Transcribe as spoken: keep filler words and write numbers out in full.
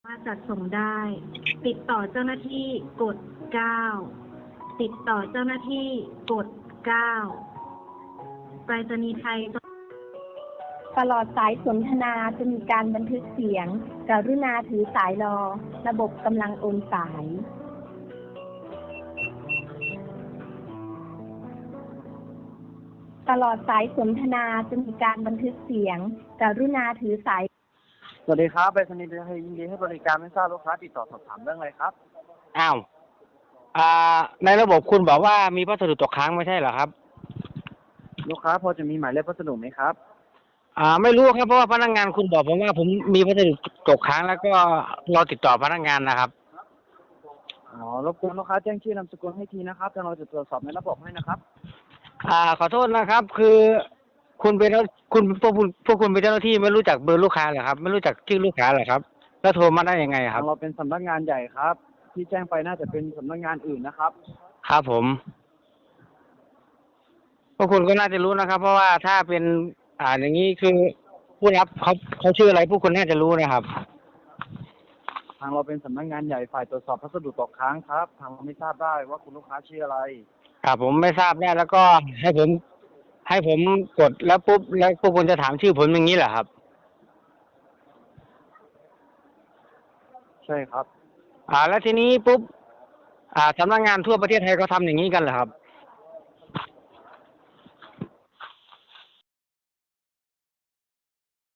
มาจัดส่งได้ ติดต่อเจ้าหน้าที่กดเก้าติดต่อเจ้าหน้าที่กดเก้าไปรษณีย์ไทยตลอดสายสนทนาจะมีการบันทึกเสียง กรุณาถือสายรอ ระบบกำลังโอนสาย ตลอดสายสนทนาจะมีการบันทึกเสียง กรุณาถือสายสวัสดีครับไปรษณีย์ไทยยินดีให้บริการไม่ทราบลูกค้าติดต่อสอบถามเรื่องอะไรครับอ้าวอ่าในระบบคุณบอกว่ามีพัสดุตกค้างไม่ใช่เหรอครับลูกค้าพอจะมีหมายเลขพัสดุไหมครับอ่าไม่รู้ครับเพราะว่าพนักงานคุณบอกผมว่าผมมีพัสดุตกค้างแล้วก็รอติดต่อพนักงานนะครับอ๋อรบกวนลูกค้าแจ้งชื่อนามสกุลให้ทีนะครับทางเราจะตรวจสอบในระบบให้นะครับอ่าขอโทษนะครับคือคุณเป็นคุณพวกคุณพวกคุณเป็นเจ้าหน้าที่ไม่รู้จักเบอร์ลูกค้าเหรอครับไม่รู้จักชื่อลูกค้าเหรอครับแล้วโทรมาได้ยังไงคทารับงเราเป็นสำนักงานใหญ่ครับที่แจ้งไปน่าจะเป็นสำนักงานอื่นนะครับครับผมพวกคุณก็น่าจะรู้นะครับเพราะว่าถ้าเป็นอ่าอย่างนี้คือผู้รับเขาเขาชื่ออะไรพวกคุณน่าจะรู้นะครับทางเราเป็นสำนักงานใหญ่ฝ่ายตรวจสอบพัสดุตกค้างครับทางเราไม่ทราบได้ว่าคุณลูกค้าชื่ออะไรครับผมไม่ทราบแน่แล้วก็ให้ผมให้ผมกดแล้วปุ๊บแล้วพวกคุณจะถามชื่อผมอย่างนี้เหรอครับใช่ครับอ่าแล้วทีนี้ปุ๊บอ่าสำนักงานทั่วประเทศไทยเขาทำอย่างนี้กันเหรอครับ